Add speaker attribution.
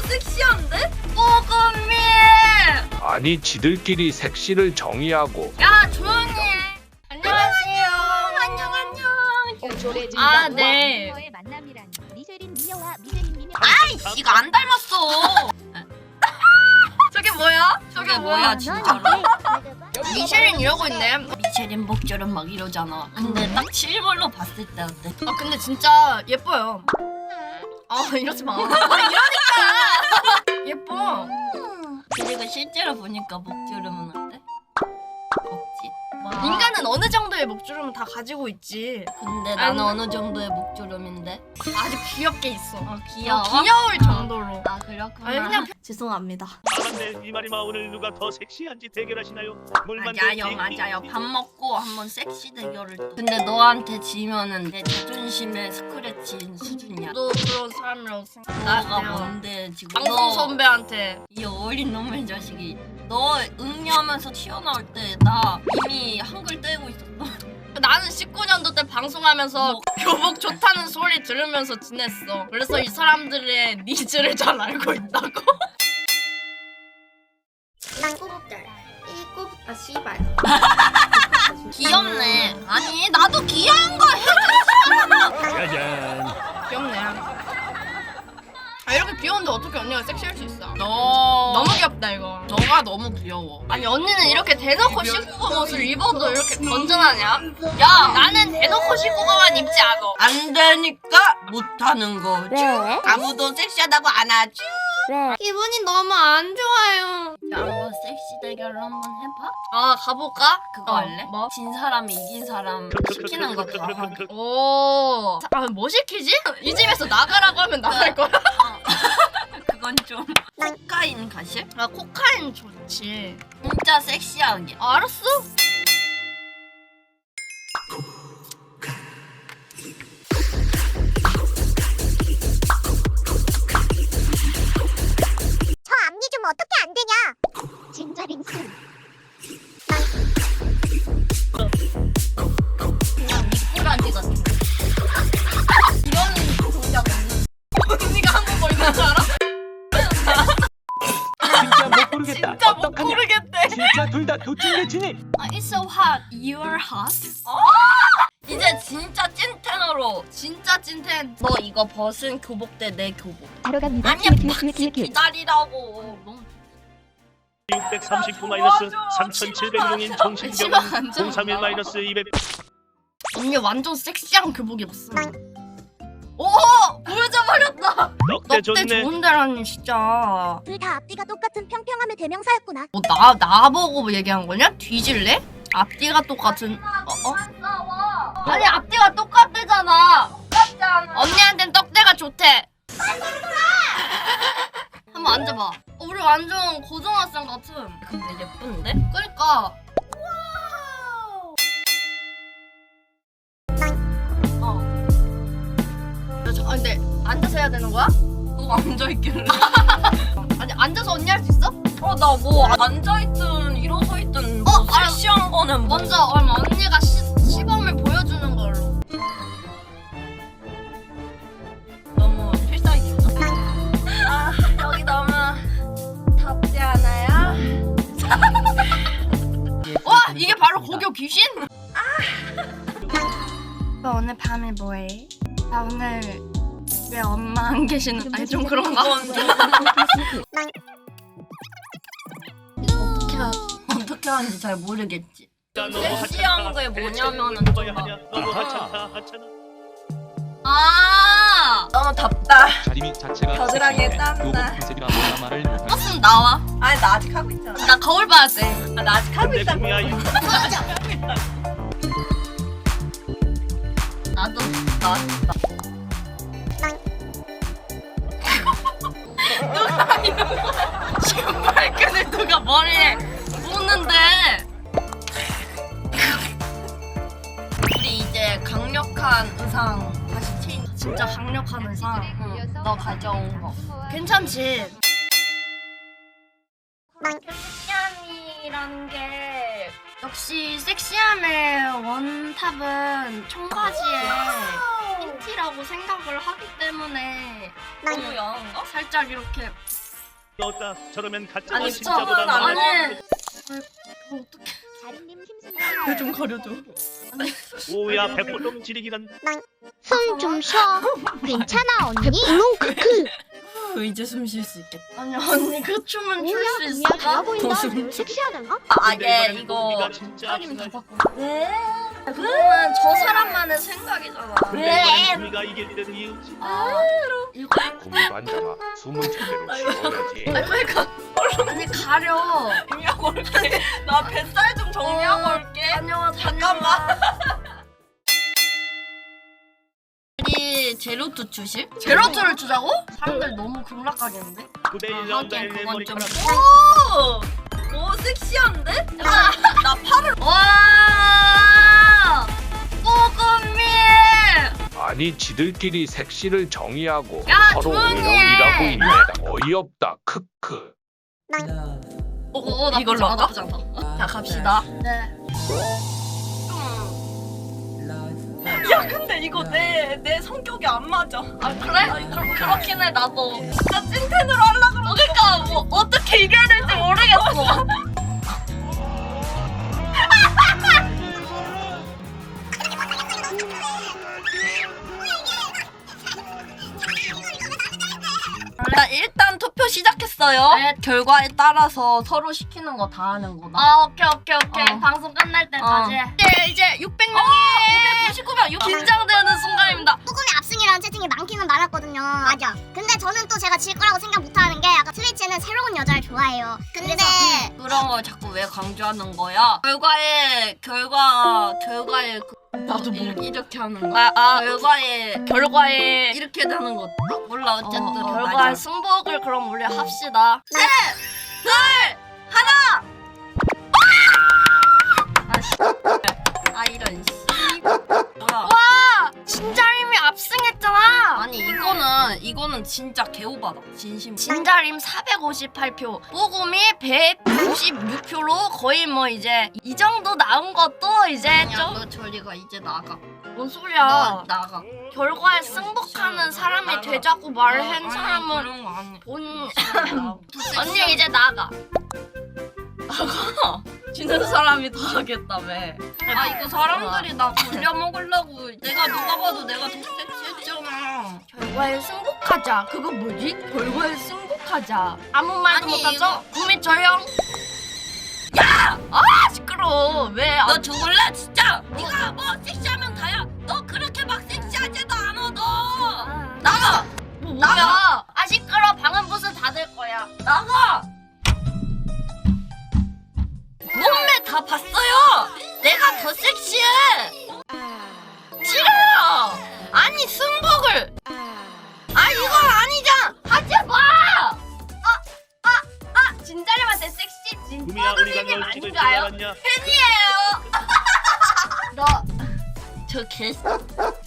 Speaker 1: 섹시한데? 뽀금이!
Speaker 2: 아니 지들끼리 섹시를 정의하고
Speaker 1: 야 조용히 해. 안녕하세요. 안녕. 아, 네. 아이씨, 이거 안 닮았어. 저게 뭐야? 저게 뭐야 진짜로? 미쉐린 이러고 있네.
Speaker 3: 미쉐린 목줄은 막 이러잖아. 근데 딱 실물로 봤을 때 어때?
Speaker 1: 아 근데 진짜 예뻐요. 아 이러지 마. 아 이러니까 예뻐.
Speaker 3: 그리고 실제로 보니까 목주름은 어때? 없지.
Speaker 1: 인간은 어느 정도의 목주름은 다 가지고 있지.
Speaker 3: 근데 나는 어느 정도의 목주름인데?
Speaker 1: 아주 귀엽게 있어.
Speaker 3: 귀여워?
Speaker 1: 귀여울 정도로.
Speaker 3: 아 그렇구나.
Speaker 1: 아니 그냥
Speaker 3: 죄송합니다.
Speaker 4: 맞네 이말이마 오늘 누가 더 섹시한지 대결하시나요?
Speaker 3: 맞아요. 밥 먹고 한번 섹시 대결을 또. 근데 너한테 지면은 내 자존심에 스크래치인 수준이야.
Speaker 1: 너 그런 사람이라고
Speaker 3: 나가
Speaker 1: 생각해요.
Speaker 3: 뭔데 지금?
Speaker 1: 방송
Speaker 3: 너,
Speaker 1: 선배한테
Speaker 3: 이 어린 놈의 자식이. 너 응리하면서 튀어나올 때 나 이미 한글 떼고 있었어.
Speaker 1: 나는 19년도 때 방송하면서 교복 좋다는 소리 들으면서 지냈어. 그래서 이 사람들의 니즈를 잘 알고 있다고. 난 꼬북달. 이 꼬북 아 씨발.
Speaker 3: 귀엽네. 아니 나도 귀여운 거 해줬어.
Speaker 4: 짜잔.
Speaker 1: 귀엽네. 아 이렇게 귀여운데 어떻게 언니가 섹시할 수 있어?
Speaker 3: 너
Speaker 1: 너무 귀엽다 이거.
Speaker 3: 너가 너무 귀여워.
Speaker 1: 아니 언니는 이렇게 대놓고 19금 옷을 입어도 이렇게 건전하냐? 야 나는 대놓고 19금만 입지 않아.
Speaker 3: 안 되니까 못하는 거지.
Speaker 5: 왜?
Speaker 3: 아무도 섹시하다고 안 하지.
Speaker 5: 왜?
Speaker 1: 기분이 너무 안 좋아요.
Speaker 3: 자, 한번 섹시 대결을 한번 해봐.
Speaker 1: 아 가볼까?
Speaker 3: 그거 할래?
Speaker 1: 뭐?
Speaker 3: 진 사람이 이긴 사람 시키는 거 다 하기.
Speaker 1: 오. 뭐 시키지? 이 집에서 나가라고 하면 나갈 거야?
Speaker 3: 그건 좀 코카인 가실?
Speaker 1: 아 코카인 좋지.
Speaker 3: 진짜 섹시하게.
Speaker 1: 아, 알았어.
Speaker 5: 저 앞니 좀 어떻게 안 되냐? 진짜 링슨.
Speaker 3: 그냥 미꾸라지 같은. 이런 동작 없는.
Speaker 1: 언니가 한국 뭐 있는 줄 알아?
Speaker 2: 진짜 못 고르겠다.
Speaker 1: 진짜 못 고르겠대.
Speaker 2: 진짜 둘 다 도찐개 진입.
Speaker 3: It's so hot. You're hot. 이제 진짜 찐텐으로.
Speaker 1: 진짜 찐텐.
Speaker 3: 너 이거 벗은 교복대 내 교복.
Speaker 5: 바로 갑니다.
Speaker 3: 아니야, 기다리라고. 너무
Speaker 4: 639 마이너스 3700용인 정신병원
Speaker 1: 안 좋아.
Speaker 4: 031 마이너스 200.
Speaker 1: 언니 완전 섹시한 교복 입었어. 오 보여줘 버렸다.
Speaker 4: 넉대
Speaker 1: 넉대
Speaker 4: 좋네.
Speaker 1: 좋은데라니 진짜.
Speaker 5: 둘 다 앞뒤가 똑같은 평평함의 대명사였구나.
Speaker 1: 뭐 나보고 얘기한 거냐? 뒤질래? 앞뒤가 똑같은. 아니 앞뒤가 똑같대잖아. 언니한텐 떡대가 좋대. 한번 앉아봐. 우리 완전 고등학생 같은.
Speaker 3: 근데 예쁜데?
Speaker 1: 그러니까. 아 근데 앉아서 해야 되는 거야?
Speaker 3: 너 앉아있길래.
Speaker 1: 아니 앉아서 언니 할 수 있어?
Speaker 3: 나 뭐 앉아있든 일어서있든 뭐 섹시한 거는 뭐.
Speaker 1: 먼저 그럼 언니가 시범을 보여주는 걸로.
Speaker 3: 너무 필살기구나. 아 여기 너무 덥지 않아요?
Speaker 1: 와 이게 바로 고교 귀신? 너 오늘 밤에 뭐해? 나 오늘 왜 엄마 안 계시는? 아니 좀 그런가?
Speaker 3: 어떻게 하는지 잘 모르겠지.
Speaker 4: 너무
Speaker 3: 섹시한 게 뭐냐면은 좀 막.
Speaker 4: 너무 하찮다 하찮아.
Speaker 3: 아 너무 덥다.
Speaker 6: 자리미 자체가
Speaker 3: 겨드랑이에
Speaker 6: 섹시해.
Speaker 3: 땀나.
Speaker 6: 요거 컨셉이라 뭐라 말을 못할
Speaker 1: 떴으면 나와.
Speaker 3: 아니 나 아직 하고 있잖아.
Speaker 1: 나 거울 봐야 돼.
Speaker 3: 나 아직 하고
Speaker 4: 근데
Speaker 3: 있다고.
Speaker 4: 구미야
Speaker 3: 나도
Speaker 1: 신발끈을 누가 머리에 묶는데.
Speaker 3: 우리 이제 강력한 의상 다시 체인.
Speaker 1: 진짜 강력한 의상.
Speaker 3: 너 가져온 거.
Speaker 1: 괜찮지? 섹시함이란 게 역시 섹시함의 원탑은 청바지에 흰티라고 생각을 하기 때문에
Speaker 3: 너무 야한가?
Speaker 1: 살짝 이렇게
Speaker 4: 떴다. 저러면 가짜가
Speaker 1: 아니,
Speaker 4: 진짜보다
Speaker 1: 저건
Speaker 4: 많아.
Speaker 1: 아니.
Speaker 5: 자루님 심슨.
Speaker 1: 좀 가려줘.
Speaker 4: 오야 백골동 지리기란.
Speaker 5: 숨 좀 쉬어. 괜찮아 언니. 물론 크크.
Speaker 1: 이제 숨 쉴 수 있겠다. 아니 언니 그 춤은 출
Speaker 5: 뭐야
Speaker 1: 수
Speaker 5: 그냥
Speaker 1: 있을까?
Speaker 5: 달라 보인다.
Speaker 1: 더
Speaker 5: 섹시하단가?
Speaker 1: 아
Speaker 4: 근데
Speaker 1: 얘
Speaker 4: 이번엔
Speaker 1: 이거
Speaker 4: 우리가 진짜
Speaker 1: 사님 다
Speaker 4: 신날-
Speaker 1: 바꿔. 왜? 그거는 저 사람만의 생각이잖아.
Speaker 4: 근데 이번엔 우리가 이길 일은 이유지.
Speaker 1: 아 이거
Speaker 2: 구미도 앉아라. 숨은 제대로 쉬어야지.
Speaker 1: 그러니까 아니 가려. 정리하고 올게. 나 뱃살 좀 정리하고 올게. 다녀와 잠깐만. 우리 제로투 주실? 제로투를 주자고? 사람들 너무 극락하겠는데?
Speaker 4: 9대1 라운드에
Speaker 1: 하긴
Speaker 4: 내
Speaker 1: 그건 좀.
Speaker 4: 머리카락.
Speaker 1: 오 섹시한데? 나 팔을. 와. 뽀금미.
Speaker 2: 아니 지들끼리 색시를 정의하고
Speaker 1: 야,
Speaker 2: 서로
Speaker 1: 조용히 해.
Speaker 2: 우영이라고 있네. 어이없다. 크크.
Speaker 1: 이걸로 할까? 자 갑시다. 네. 야 근데 이거 내 성격이 안 맞아. 아 그래? 그럼 그렇긴 해 나도. 진짜 찐텐으로 하려고 그러니까 뭐 어떻게 이겨야 될지 모르겠어. 자 일단 투표 시작했어요.
Speaker 3: 네.
Speaker 1: 결과에 따라서 서로 시키는 거 다 하는 거다.
Speaker 3: 아 오케이.
Speaker 1: 어.
Speaker 3: 방송 끝날 때까지.
Speaker 1: 이제 600명. 599명. 긴장되는 순간입니다.
Speaker 5: 소금의 압승이라는 채팅이 많기는 많았거든요. 맞아. 근데 저는 또 제가 질 거라고 생각 못하는 게 약간 트위치는 새로운 여자를 좋아해요. 근데
Speaker 1: 그런 걸 자꾸 왜 강조하는 거야? 결과에 나도 이렇게 하는 거. 결과에 이렇게 되는 거. 몰라 어쨌든 결과에
Speaker 3: 맞아.
Speaker 1: 승복을 그럼 우리 합시다. 셋, 둘, 하나. 아 이런 씨. 뭐야? 와 진자림이 압승했잖아. 아니 이거는 진짜 개오바다. 진심. 진자림 458표, 뽀금이 196표로 거의 뭐 이제 이 정도 나온 것도 이제 좀. 너 저리가 이제 나가. 뭔 소리야? 너 나가. 결과에 승복하는 사람이 되자고 말한 사람은 본. 언니 이제 나가. 나가. 지는 사람이 더 하겠다며.
Speaker 3: 아 이거 사람들이 나 굴려 먹으려고. 내가 누가 봐도 내가 더 섹시했잖아.
Speaker 1: 결과에 승복하자. 그거 뭐지? 결과에 승복하자. 아무 말도
Speaker 3: 아니,
Speaker 1: 못하죠? 구미 조용. 야! 아 시끄러워. 왜?
Speaker 3: 너 죽을래 진짜? 네가 뭐 섹시하면 다야. 너 그렇게 막 섹시하지도 않아 너. 나가.
Speaker 1: 뭐야? 아 시끄러. 방은 무슨 닫을 거야.
Speaker 3: 나가. 몸매 다 봤어요. 내가 더 섹시해. 싫어요. 아니 승복을. 아 이건 아니잖아. 하지 마.
Speaker 1: 진자림한테 섹시
Speaker 4: 구미야 우리가
Speaker 1: 뽀금이님
Speaker 4: 널 찍을 줄
Speaker 1: 아닌가요?
Speaker 4: 알았냐?
Speaker 1: 팬이에요. 너 저 개.